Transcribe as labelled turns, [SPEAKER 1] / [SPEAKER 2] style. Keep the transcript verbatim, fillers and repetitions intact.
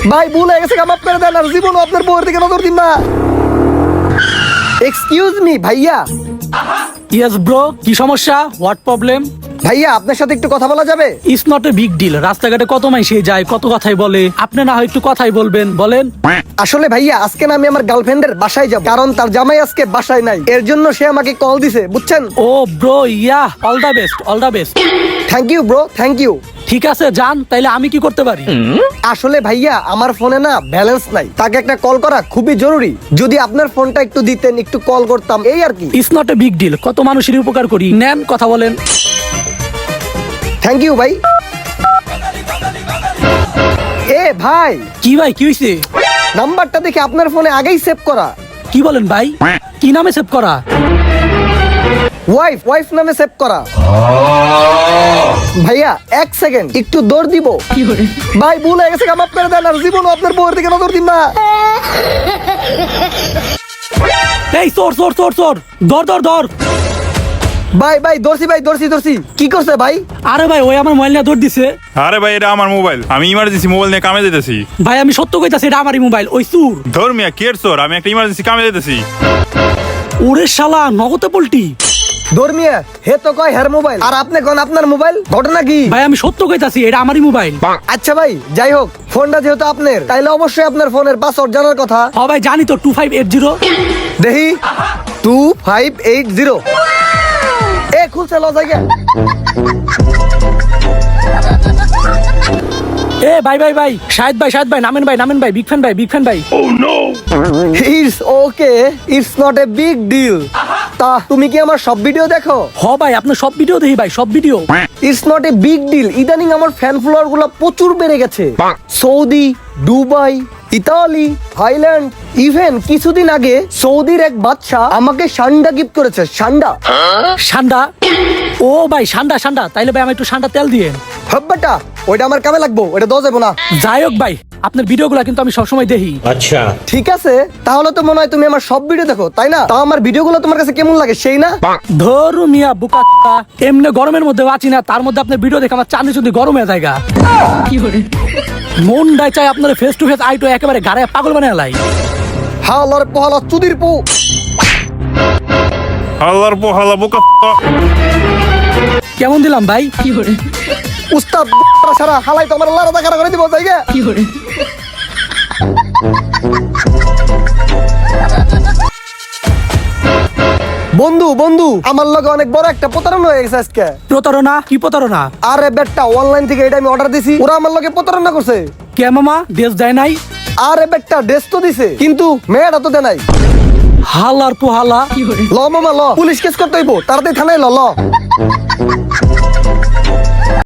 [SPEAKER 1] ভাই ভুল হয়ে গেছে, মাফ করে দেন, আর জীবনও আপনার বউয়ের দিকে নজর দিন না। এক্সকিউজ মি ভাইয়া।
[SPEAKER 2] ইয়েস ব্রো, কি সমস্যা? What problem?
[SPEAKER 1] ভাইয়া আপনার সাথে একটু কথা বলা যাবে?
[SPEAKER 2] It's not a big deal. রাস্তাঘাটে কত মাইসে যায়, কত কথাই বলে, আপনি না হয় একটু কথাই বলবেন, বলেন।
[SPEAKER 1] আসলে ভাইয়া আজকে না আমি আমার গার্লফ্রেন্ডের বাসায় যাব, কারণ তার জামাই আজকে বাসায় নাই, এর জন্য সে আমাকে কল দিছে, বুঝছেন?
[SPEAKER 2] ও bro, yeah, all the best, all the best.
[SPEAKER 1] Thank you bro, thank you.
[SPEAKER 2] ঠিক আছে যান, তাইলে আমি কি করতে পারি?
[SPEAKER 1] আসলে ভাইয়া আমার ফোনে না ব্যালেন্স নাই, তাকে একটা কল করা খুবই জরুরি, যদি আপনার ফোনটা একটু দিতেন, একটু কল করতাম, এই আর কি।
[SPEAKER 2] It's not a big deal, কত মানুষের উপকার করি, নেন কথা বলেন।
[SPEAKER 1] থ্যাংক ইউ ভাই। এ ভাই,
[SPEAKER 2] কি ভাই, কি হইছে?
[SPEAKER 1] নাম্বারটা দেখে আপনার ফোনে আগেই সেভ করা।
[SPEAKER 2] কি বলেন ভাই? কি নামে সেভ করা?
[SPEAKER 1] ওয়াইফ ওয়াইফ নামে সেভ করা। ভাইয়া এক সেকেন্ড, একটু দৌড় দিব। ভাই ভুল হয়ে গেছে, মাফ করে দেন, আর জীবনও আপনার বউয়ের দিকে নজর দিন না।
[SPEAKER 2] এই চোর চোর চোর চোর, ধর ধর ধর।
[SPEAKER 1] ভাই ভাই দর্শি, ভাই দর্শি দর্শি। কি করছে ভাই?
[SPEAKER 2] আরে ভাই, ওই আমার মোবাইল নিয়ে দৌড় দিছে।
[SPEAKER 3] আরে ভাই, এটা আমার মোবাইল, আমি ইমার্জেন্সি মোবাইল নিয়ে কামে যেতেছি।
[SPEAKER 2] ভাই আমি সত্য কইতাছি, এটা আমারই মোবাইল, ওই চুর।
[SPEAKER 3] ধর্মিয়া কের চোর, আমি একটা ইমার্জেন্সি কামে যেতেছি।
[SPEAKER 2] ওরে শালা, নগদে পল্টি।
[SPEAKER 1] ধর্মিয়া হে তো কয় হের মোবাইল, আর আপনি কোন আপনার মোবাইল, ঘটনা কি?
[SPEAKER 2] ভাই আমি সত্য কইতাছি, এটা আমারই মোবাইল।
[SPEAKER 1] আচ্ছা ভাই যাই হোক, ফোনটা যেহেতু আপনার, তাইলে অবশ্যই আপনার ফোনের পাসওয়ার্ড জানার কথা।
[SPEAKER 2] হ ভাই জানি তো, টু ফাইভ এইট জিরো।
[SPEAKER 1] দেখি টু ফাইভ এইট জিরো। এ খুলছে ল জায়গা।
[SPEAKER 2] এ ভাই ভাই ভাই, শাহেদ ভাই শাহেদ ভাই, নামেন ভাই নামেন ভাই, বিগ ফ্যান ভাই বিগ ফ্যান ভাই।
[SPEAKER 1] It's okay, it's not a big deal. তা তুমি কি আমার সব ভিডিও দেখো?
[SPEAKER 2] হ ভাই, আপনার সব ভিডিও দেখি ভাই, সব ভিডিও।
[SPEAKER 1] It's not a big deal. ইদানিং আমার ফ্যান ফলোয়ার গুলো প্রচুর বেড়ে গেছে। Saudi, Dubai, Italy, Thailand, even কিছুদিন আগে সৌদির এক বাদশা আমাকে সান্ডা গিফট করেছে। সান্ডা
[SPEAKER 2] সান্ডা? ও ভাই সান্ডা সান্ডা, তাইলে ভাই আমি একটু সান্ডা তেল দিয়ে।
[SPEAKER 1] হব্বাটা ওইটা আমার কামে লাগবো, ওইটা দেওয়া যাবো না।
[SPEAKER 2] যাই হোক ভাই, আপনার ভিডিওগুলো কিন্তু আমি সবসময় দেখি।
[SPEAKER 4] আচ্ছা
[SPEAKER 1] ঠিক আছে, তাহলে তো মনে হয় তুমি আমার সব ভিডিও দেখো, তাই না? তাও আমার ভিডিওগুলো তোমার কাছে কেমন লাগে সেই না?
[SPEAKER 2] ধরু মিয়া বুকা, এমনি গরমের মধ্যে বাঁচি না, তার মধ্যে আপনার ভিডিও দেখে আমার চাঁদি চুন্দি গরম হয়ে যায়। মন ডাই চাই আপনার ফেস টু ফেস আইটো একেবারে গাড়ে পাগল বানায় লাই।
[SPEAKER 1] হালার পোহালা চুদির পু।
[SPEAKER 3] হাল্লার পো হাল্লা বোকা।
[SPEAKER 2] কেমন দিলাম ভাই?
[SPEAKER 1] উস্তাদ সারা হালাই তো আমার লারা দেখা করে দিব জায়গা। বন্ধু বন্ধু, আমার লগে অনেক বড় একটা প্রতারণা হয়ে গেছে আজকে।
[SPEAKER 2] প্রতারণা? কি প্রতারণা?
[SPEAKER 1] আরে বেটা, অনলাইন থেকে এটা আমি অর্ডার দিছি, ওরা আমার লগে প্রতারণা করছে।
[SPEAKER 2] কে মামা, ড্রেস দেয় নাই?
[SPEAKER 1] আরে বেটা, ড্রেস তো দিছে, কিন্তু মেয়েটা তো দেয় নাই।
[SPEAKER 2] হালার পোহালা।
[SPEAKER 1] ল মামা ল, পুলিশ কেস করতে হইব, তাড়াতাড়ি থানায় ল ল।